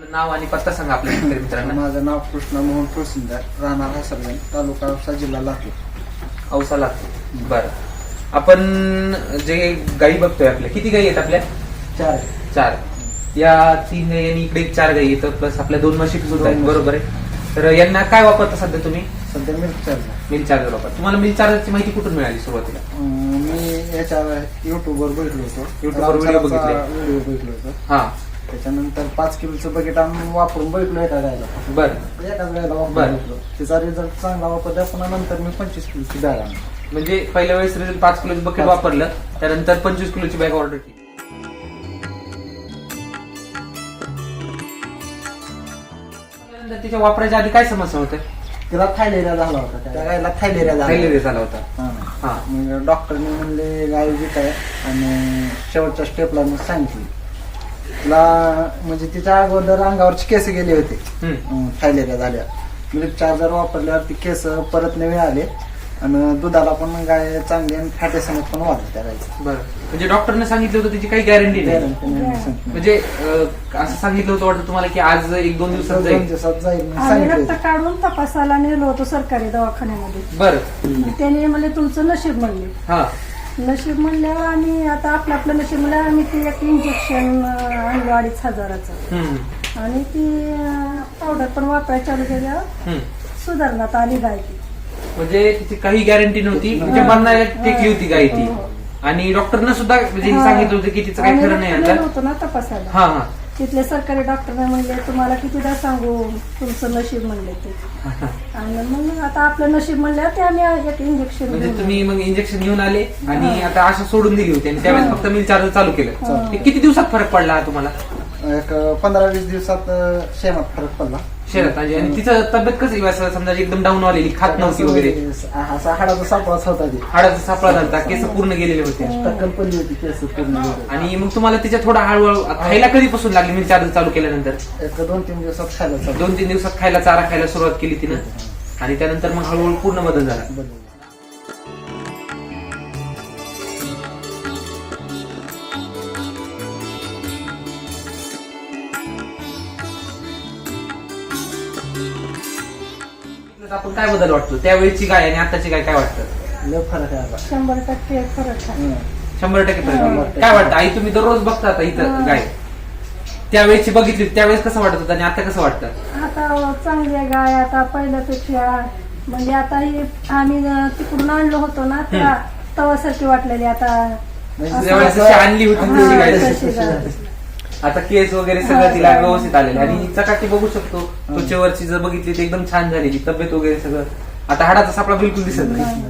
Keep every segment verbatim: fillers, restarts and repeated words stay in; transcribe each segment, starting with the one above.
नाव आणि पत्ता सांगा आपल्या शेतकरी मित्रांना. माझं नाव कृष्ण मोहन तुळसिंदार, राहणार हसरगण, तालुका औसा, जिल्हा लातूर. औसा लातूर. बरं, आपण जे गायी बघतोय आपल्या, किती गायी आहेत आपल्या? चार चार. या तीन गायी आणि इकडे एक चार गायी येतं, प्लस आपल्या दोन म्हशी सुद्धा आहेत, बरोबर आहे. तर यांना काय वापरता सध्या तुम्ही? सध्या मिल्क चार्जर. मिल्क चार्जर वापरता. तुम्हाला मिल्क चार्जरची माहिती कुठून मिळाली सुरुवातीला? मी याच्या युट्यूबवर बघितलो होतो. युट्यूबवर व्हिडिओ बघितले. व्हिडिओ बघितलो होतो. हा. त्याच्यानंतर पाच किलोचं बकेट आणून वापरून बघितलो एका गायला. बरं. एकाच गायला वापरून बघितलो. त्याचा रिझल्ट चांगला वापरला. पुन्हा नंतर मी पंचवीस किलोची बॅग आणली. म्हणजे पहिल्या वेळेस रिझल्ट पाच किलोचं बकेट वापरलं, त्यानंतर पंचवीस किलोची बॅग ऑर्डर केली. त्याच्या वापरायच्या आधी काय समस्या होत्या? तिला थायलेरिया झाला होता. त्या गायला थायलेरिया झाला थायलेरिया झाला होता. हा. मग डॉक्टरने म्हणले गाय विक आहे, आणि शेवटच्या स्टेपला मी सांगितली तिला, म्हणजे तिच्या अगोदर अंगावरची केस गेले होते थायलेरिया झाल्या. मिल्क चार्जर वापरल्यावर ती केस परत नवे आले, आणि दुधाला पण गाय चांगली आणि फॅटेसमेंट पण वाढले त्या गायचं. बरं, म्हणजे डॉक्टरने सांगितलं होतं त्याची काही गॅरंटी नाही. म्हणजे असं सांगितलं होतं वाटतं तुम्हाला की आज एक दोन दिवसात दोन जाईल. दिवसात जाईल आम्ही रक्त काढून तपासायला नेलो होतो सरकारी दवाखान्यामध्ये. बरं. त्याने म्हणले तुमचं नशीब म्हणले. हा. नशीब म्हणल्यावर आम्ही आता आपलं आपलं नशीब म्हणलं, आम्ही ते एक इंजेक्शन आणलं अडीच हजाराचं, हम्म. आणि ती पावडर पण वापरायला चालू केल्यावर हम्म. सुधारण्यात आली गाय ती. म्हणजे तिची काही गॅरंटी नव्हती, म्हणजे मरणाला टेकली होती गाय ती. आणि डॉक्टरनं सुद्धा म्हणजे सांगितलं होतं की तिचं काही खरं नाही आम्ही आता. होतो ना तपासायला. हा हा. तिथले सरकारी डॉक्टरने म्हणले तुम्हाला कितीदा सांगू तुमचं नशीब म्हणले ते. आणि मग आता आपलं नशीब म्हणलं ते आम्ही एक इंजेक्शन म्हणजे तुम्ही मग इंजेक्शन घेऊन आले आणि आता असं सोडून दिली होती, आणि त्यावेळेस फक्त मिल चार्जर चालू केलं. ते किती दिवसात फरक पडला तुम्हाला? एक पंधरा वीस दिवसात शेणात फरक पडला. शेतात म्हणजे. आणि तिचं तब्येत कशी असं समजा एकदम डाऊन आलेली, खात नव्हती वगैरे, असा हाडाचा सापळाच होता ती. हाडाचा सापळा झाला, केस पूर्ण गेलेले होते, टक्कल पडली होती केस पूर्ण. आणि मग तुम्हाला तिच्या थोडा हळूहळू खायला कधीपासून लागली मिल चार्जर चालू केल्यानंतर? एक दोन तीन दिवसात खायला चालू. दोन तीन दिवसात खायला चारा खायला सुरुवात केली तिनं, आणि त्यानंतर मग हळूहळू पूर्ण बदल झाला. बदल. आपण काय बदल वाटतो त्यावेळेची गाय आणि आताची गाय, काय वाटतं? लय फरक आहे आता. शंभर टक्के फरक आहे. शंभर टक्के फरक आहे. काय वाटतं आई, तुम्ही दररोज बघता आता इथं गाय, त्यावेळेची बघितली त्यावेळेस कसं वाटत होतं आणि आता कसं वाटतं? आता चांगली आहे गाय आता पहिल्यापेक्षा. म्हणजे आता ही आम्ही तिकडून आणलो होतो ना, त्या तवासारखी वाटलेली आता. त्यावेळेस जशी आणली होती तशी गाय तशी गाय. आता केस वगैरे सगळं तिला व्यवस्थित आलेलं, आणि चकाकी बघू शकतो त्वचेवरची जर बघितली तर एकदम छान झालेली तब्येत वगैरे सगळं. आता हाडाचा सापळा बिलकुल दिसत नाही.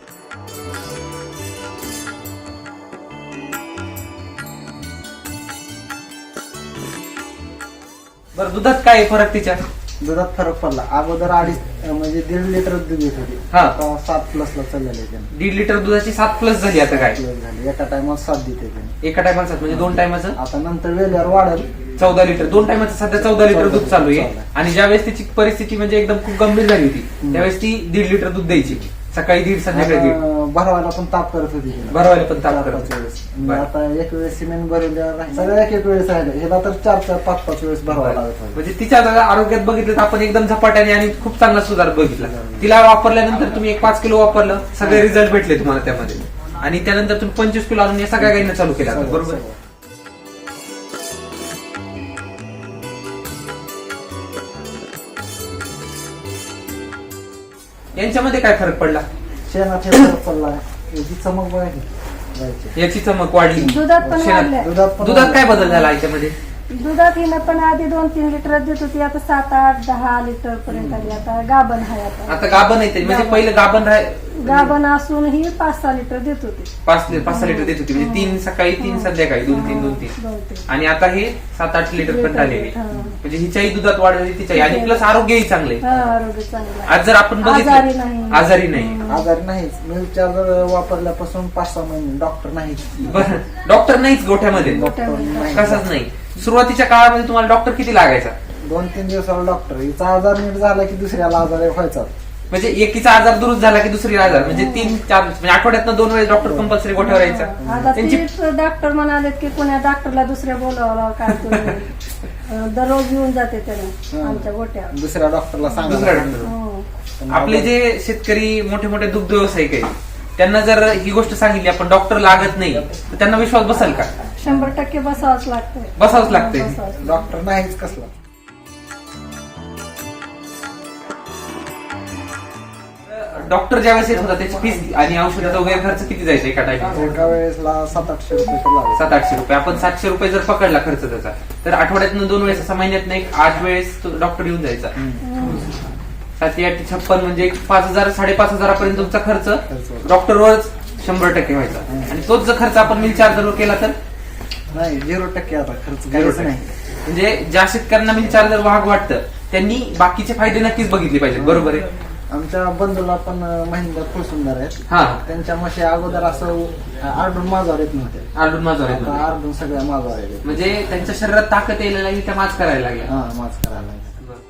बरं, दुधात काय फरक तिच्या? दुधात फरक पडला. अगोदर अडीच म्हणजे दीड लिटर दूध येत होती, हा. आता सात प्लस ला चाललेलं आहे. दीड लिटर दुधाची सात प्लस झाली आता काय? प्लस झाली. एका टायमात सात देते त्याने. एका टायमाला म्हणजे दोन टायमाचं आता नंतर वेळेवर वाढेल. चौदा लिटर दोन टायमाचं सध्या चौदा लिटर दूध चालू आहे. आणि ज्यावेळेस तिची परिस्थिती म्हणजे एकदम खूप गंभीर झाली होती त्यावेळेस ती दीड लिटर दूध द्यायची, सकाळी दीड संध्याकाळी दीड. भरवायला पण ताप करत होती तिला. भरवायला पण ताप चार करत पाच वेळेस. बरं. म्हणजे आता एक वेळेस सिमेंट भरवल्यावर सगळ्या एक एक वेळेस राहिलं. ह्याला तर चार चार पाच पाच वेळेस भरवायला लागत होतं. म्हणजे तिच्या जर आरोग्यात बघितलं तर आपण एकदम झपाट्याने आणि खूप चांगला सुधार बघितला. तिला वापरल्यानंतर तुम्ही एक पाच किलो वापरलं, सगळे रिझल्ट भेटले तुम्हाला त्यामध्ये, आणि त्यानंतर तुम्ही पंचवीस किलो आणून या सगळ्या गायींना चालू केला, बरोबर? यांच्यामध्ये काय फरक पडला? शेणात हे फरक पडला. याची चमक बघा की गायची. याची चमक वाढली, दुधात पण शेणात- वाढल्या. दुधात पण दुधात काय बदल झाला याच्यामध्ये? दुधात हिनं पण आधी दोन तीन लिटर देत होती, आता सात आठ दहा लिटर पर्यंत आली. आता गाभण आहे. आता आता गाभण येते म्हणजे पहिलं गाभण राह गाभण असून ही पाच सहा लिटर देत होती. पाच पाच सहा लिटर देत होती, म्हणजे तीन सकाळी तीन संध्याकाळी दोन तीन दोन तीन दोन तीन. आणि आता हे सात आठ लिटर पर्यंत आलेली. हा. म्हणजे हिच्याही दुधात वाढ झाली, तिच्याही, आणि प्लस आरोग्यही चांगले. हा, आरोग्य चांगलं आहे. आज जर आपण आजारी बघितलं नाही. आजारी नाही. आजारी नाहीच. मिल्क चार्जर वापरल्यापासून पाच सहा महिने डॉक्टर नाहीच. बरं, डॉक्टर नाहीच गोठ्यामध्ये, गोठ्यामध्ये. कसाच नाही. सुरुवातीच्या काळामध्ये तुम्हाला डॉक्टर किती लागायचा? दोन तीन दिवसाला डॉक्टर. हिचा आजार नीट झाला की दुसऱ्याला आजार व्हायचा. म्हणजे एकीचा आजार दुरुस्त झाला की दुसरी आजार म्हणजे तीन चार म्हणजे आठवड्यातनं दोन वेळेस डॉक्टर कंपल्सरी गोठ्यावर यायचा. आता त्यांची तीच डॉक्टर म्हणाले की कोण्या डॉक्टरला दुसऱ्या बोलावं काय तुम्ही अं, दररोज येऊन जाते त्याने आमच्या गोट्यावर. दुसऱ्या डॉक्टरला सांगा. दुसऱ्या डॉक्टर हो. आपले जे शेतकरी मोठे मोठे दुग्ध व्यावसायिक आहेत त्यांना जर ही गोष्ट सांगितली आपण डॉक्टर लागत नाही तर त्यांना विश्वास बसेल का? शंभर टक्के बसावंच लागतंय. बसावंच लागतंय. बसावंच. डॉक्टर नाहीच कसला. डॉक्टर ज्यावेळेस येत होता त्याची फीस आणि औषधाचा वगैरे खर्च किती जायचा एका टाइम? एका वेळेसला सात आठशे रुपये तर लागले. सात आठशे रुपये. आपण सातशे रुपये जर पकडला खर्च त्याचा तर आठवड्यातनं दोन वेळेस असा महिन्यात एक आठ वेळेस डॉक्टर येऊन जायचा. सातशे आठ छप्पन म्हणजे एक पाच हजार साडेपाच हजारापर्यंत तुमचा खर्च डॉक्टरवरच शंभर टक्के व्हायचा. आणि तोच जर खर्च आपण मिल चार्जरवर केला तर नाही झिरो टक्के आता खर्च झिरो काहीच टक्के. नाही. म्हणजे ज्या शेतकऱ्यांना मिल चार्जर महाग वाटतं त्यांनी बाकीचे फायदे नक्कीच बघितले पाहिजेत. बरोबर आहे. आमच्या बंधूला पण महिंद्रा फुल सुंदर आहेत. हा त्यांच्या म्हशी अगोदर असं आरडून माझ्यावर येत नव्हते. आलून माझ्यावर आता येतो. आरडून सगळ्या माझ्यावर येते. म्हणजे त्यांच्या शरीरात ताकद यायला लागली त्या माच करायला लागल्या. हा माझ करायला लागले.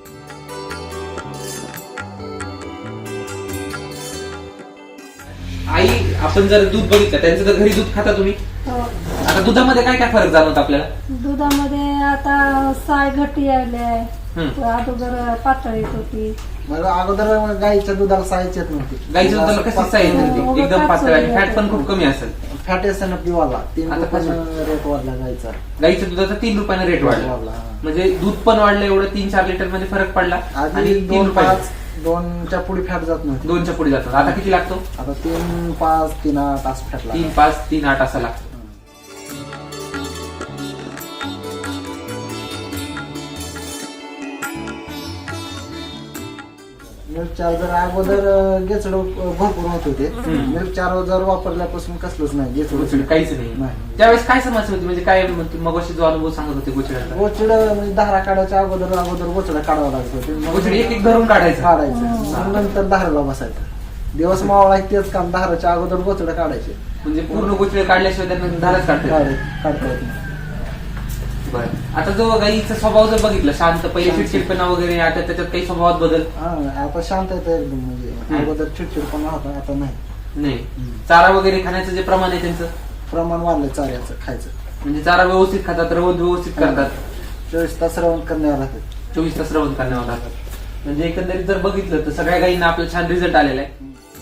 आई आपण जर दूध बघितलं त्यांचं तर घरी दूध खाता तुम्ही. हो. आता दुधामध्ये काय काय फरक जाणवत आपल्याला? दुधामध्ये आता साय घटी आले हम्म. अगोदर पातळ येत होती. मग अगोदर गाईच्या दुधाला सायच येत नव्हती. गाईच्या दुधाला कशी साईज होती एकदम पातळ आणि फॅट पण खूप कमी असेल. फॅट एसन पिवाला तीन आता रुपयानं रेट वाढला गाईचा. गाईच्या दुधाचा तीन रुपयाने रेट वाढला. वाढला, हा. म्हणजे दूध पण वाढलं एवढं तीन चार लिटर मध्ये फरक पडला आधी आणि तीन दोन रुपये पाच दोनच्या पुढे फॅट जात नव्हती. दोनच्या पुढे जातात. आता किती लागतो? आता तीन पाच तीन आठ असं फॅट तीन पाच तीन आठ असा लागतो. मिल्क चार्जर अगोदर गेचड भरपूर होत होते. मिल्क चार्जर वापरल्यापासून कसलंच नाही गोचिड गेचड काहीच नाही. नाही. त्यावेळेस काय समस्या होती म्हणजे काय मग जो अनुभव सांगत होते गोचिडाचा? गोचिड म्हणजे धारा काढायच्या अगोदर अगोदर गोचिडा काढावं लागत होते. गोचिड एक एक धरून काढायचं. काढायचं मग नंतर धाराला बसायचं. दिवस मावळा आहे तेच काम. धाराच्या अगोदर गोचिडा काढायचे. म्हणजे पूर्ण गोचिड काढल्याशिवाय त्यांना धारच काढतात. काढ- काढता येत नाही. बरं. आता जो गाईचा स्वभाव जर बघितला शांत पहिले चिडचिडपणा वगैरे आता त्याच्यात काही स्वभावात बदल हा आता शांत येतं एकदम. म्हणजे अगोदर चिडचिडपणा होता आता नाही. नाही. चारा वगैरे खाण्याचं जे प्रमाण आहे त्यांचं प्रमाण वाढलंय चाऱ्याचं खायचं. म्हणजे चारा व्यवस्थित खातात रवंत व्यवस्थित करतात. चोवीस तास रवण करण्यावर राहतात. चोवीस तास रवंत करण्यावर राहतात. म्हणजे एकंदरीत जर बघितलं तर सगळ्या गाईंना आपला छान रिझल्ट आलेला आहे.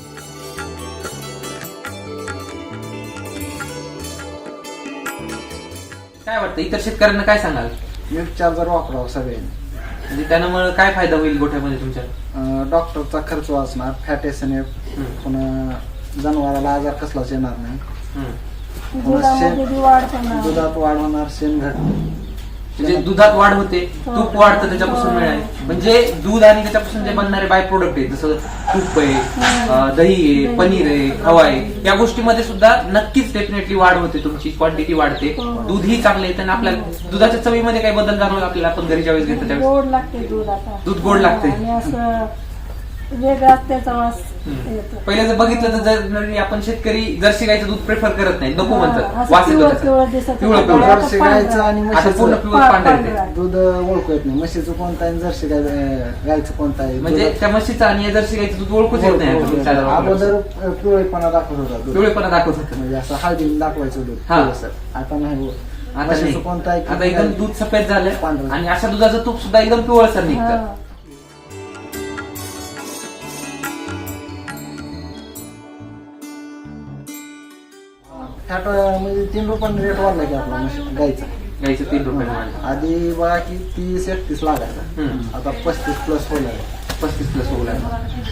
काय वाटतं इतर शेतकऱ्यांना काय सांगाल? मिल्क चार्जर वापरावं सगळ्यांनी. म्हणजे त्यामुळे काय फायदा होईल गोठ्यामध्ये तुमच्या? अं, डॉक्टरचा खर्च वाचणार. फॅट एस एन एफ पुन्हा जनावराला आजार कसलाच येणार नाही. हम्म. दुधामध्ये बी वाढ होणार. दुधात वाढ होणार. शेणघट म्हणजे दुधात वाढ होते तूप वाढतं त्याच्यापासून मिळाले. म्हणजे दूध आणि त्याच्यापासून जे बनणारे बाय प्रोडक्ट आहे जसं तूप आहे अं, दही आहे पनीर आहे खवा आहे या गोष्टीमध्ये सुद्धा नक्कीच डेफिनेटली वाढ होते. तुमची क्वांटिटी वाढते. दूधही चांगलं येतं आणि आपल्याला दुधाच्या चवीमध्ये काही बदल जाणवला आपल्याला आपण घरी ज्यावेळेस घेतो त्यावेळेस गोड लागते दूध आता. दूध गोड लागते. आणि असं वेगळाच त्याचा वास येतो. पहिले जर बघितलं तर जर आपण शेतकरी जर्सी गाईचं दूध प्रेफर करत नाही नको म्हणतात असं वास येतो पिवळं त्याचा. पिवळं दिसत पिवळं होतं. पिवळं. आता जर्सी पांढरं. गायचं आणि आता पूर्ण म्हशीचं पिवळं पांढरं येते. पांढरं. दूध ओळखू येत नाही. म्हशीचं कोणतं आहे आणि जर्सी गाय गायचं कोणतं आहे. म्हणजे दुधात- त्या म्हशीचं आणि या जर्सी गाईचं दूध ओळखूच येत नाही आता तुमच्या आधारावर. अगोदर पिवळेपणा दाखवत होता दूध. पिवळेपणा दाखवत होतं. म्हणजे असं हळदीने दाखवायचं दूध. हा. पिवळसर. आता नाही होत. आता म्हशीचं नाही. कोणतं आहे आता एकदम दूध सफेद झालं पांढरं. आणि अशा दुधाचं तूप सुद्धा एकदम पिवळसर निघतं. हा. फॅट म्हणजे तीन रुपयाने रेट वाढला की आपला म्हशी- गाईचा. गाईचं तीन रुपये वाढलं. आधी बघा की तीस एकतीस लागायचा. हम्म. आता पस्तीस प्लस होईल. पस्तीस प्लस होऊ लागलं.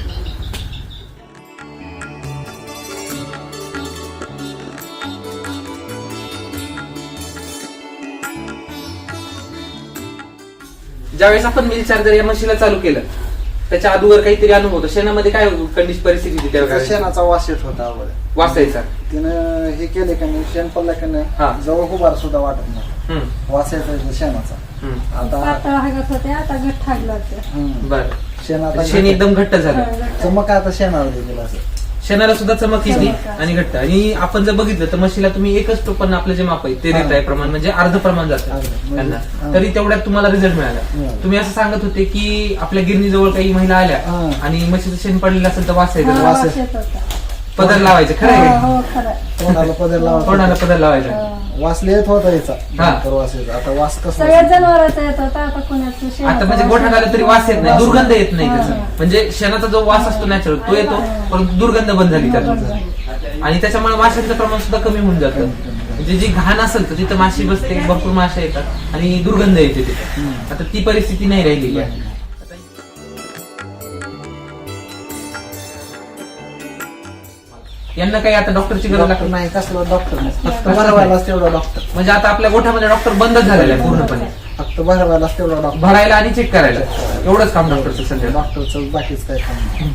ज्यावेळेस आपण मिल चार्जर या मशीनला चालू केलं त्याच्या अगोदर काहीतरी अनुभव होता. शेणामध्ये काय कंडिशन परिस्थिती होती त्यावेळेस? शेणाचा वास येत होता अगोदर. वाचायचा. तिनं हे केले का नाही शेण पडलं का हा. नाही जवळ उभार सुद्धा वाटत नाही. हम्म. वास येतो शेणाचा. हम्म. आता पातळ हागत होते आता घट्ट हागलं होते. हम्म. बर शेण आता शेण एकदम घट्ट झालं. चमक आता शेणावर दिलेलं असं. शेणाला सुद्धा चमक येते चमक. आणि घट्ट. आणि आपण जर बघितलं तर म्हशीला तुम्ही एकच टोपण आपलं जे माप आहे ते हा. देताय प्रमाण, म्हणजे अर्ध प्रमाण जातं अर्ध. त्यांना, हा. तरी तेवढ्यात तुम्हाला रिझल्ट मिळाला. मिळाला. तुम्ही असं सांगत होते की आपल्या गिरणीजवळ काही महिला आल्या हा. आणि म्हशीचं शेण पडलेलं असेल तर वास हा, येतो, वास वास येत होता. पदर लावायचं. खरं आहे हो, हो, खरं आहे. तोंडाला पदर तोंडाला लावा पदर लावायचा. हा. वास येत होता याचा हा. नंतर वास येत आता वास कसला सगळ्याच जनावरांचा येत होता, आता कोणाचं शेणाचा आता म्हणजे वास गोठ्यात आलं तरी वास येत नाही, वास दुर्गंध येत नाही हा. त्याचा. म्हणजे शेणाचा जो वास असतो नॅचरल तो येतो, परंतु दुर्गंध बंद झाली बंद त्यातून. झाली. आणि त्याच्यामुळे माशांचं प्रमाण सुद्धा कमी होऊन जातं. म्हणजे जी घाण असेल तर तिथं माशी बसते, भरपूर माशा येतात आणि दुर्गंध येते तिथे. आता ती परिस्थिती नाही राहिलेली आहे. यांना काही आता डॉक्टरची गरज डॉक्टर लागते नाही कसला डॉक्टर नाही फक्त भरवायलाच तेवढा डॉक्टर म्हणजे आता आपल्या गोठ्यामध्ये डॉक्टर बंदच झालेला आहे पूर्णपणे. फक्त भरवायलाच तेवढा डॉक्टर भरायला आणि चेक करायला एवढंच काम डॉक्टरचं सध्या. डॉक्टरचं बाकीच काय काम नाही.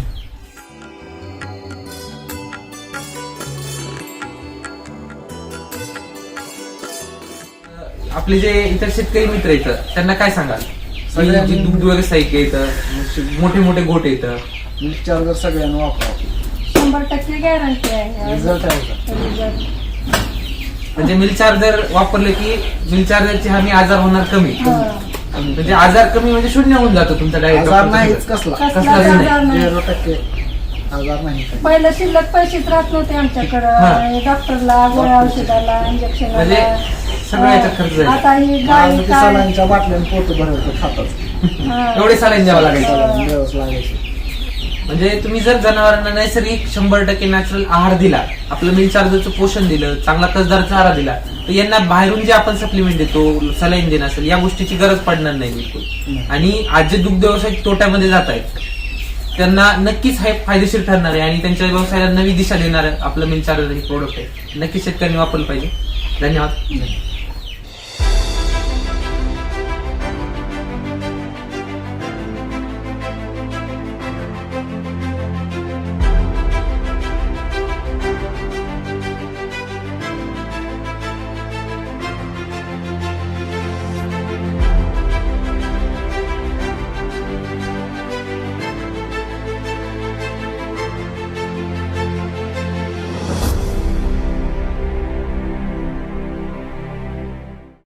आपले जे इतर शेतकरी मित्र येतं त्यांना काय सांगाल? सगळ्यांनी- जी दुग्ध व्यावसायिक येतं, मोठे मोठे गोट येतं, मिल्क चार्जर सगळ्यांना वापरावं शंभर टक्के गॅरंटी आहे. रिझल्ट आहे का? रिझल्ट. म्हणजे मिल चार्जर वापरले की मिल चार्जरचे हमी आजार होणार कमी. हा. म्हणजे आजार कमी म्हणजे शून्य होऊन जातो तुमचा डायरेक्ट. आजार नाहीच कसला कसलाच कसलाच नाही. आजार नाही. झिरो टक्के आजार नाही काही. पहिलं शिल्लक पैसेच राहत नव्हते हा. आमच्याकडं, डॉक्टरला, गोळ्या औषधाला, इंजेक्शनला. म्हणजे सगळं याच्यात खर्च आहे. आता ही गाय आणि ते काय सलांच्या बाटल्याने पोट भरायचं खातात हा. एवढे सालाईन द्यावं लागायचं. सलाईन दिवस लागायचे म्हणजे तुम्ही जर जनावरांना नैसर्गिक शंभर टक्के नॅचरल आहार दिला, आपलं मिल चार्जरचं पोषण दिलं, चांगला कसदार चारा दिला, तर यांना बाहेरून जे आपण सप्लिमेंट देतो, सलाईन देणं असेल, या गोष्टीची गरज पडणार नाही बिलकुल. नाही. आणि आज जे दुग्ध व्यवसाय तोट्यामध्ये जात आहेत त्यांना नक्कीच हे फायदेशीर ठरणार आहे आणि त्यांच्या व्यवसायाला नवी दिशा देणार आपलं मिल चार्जर हे प्रोडक्ट आहे. नक्कीच शेतकऱ्यांनी वापरलं पाहिजे. धन्यवाद.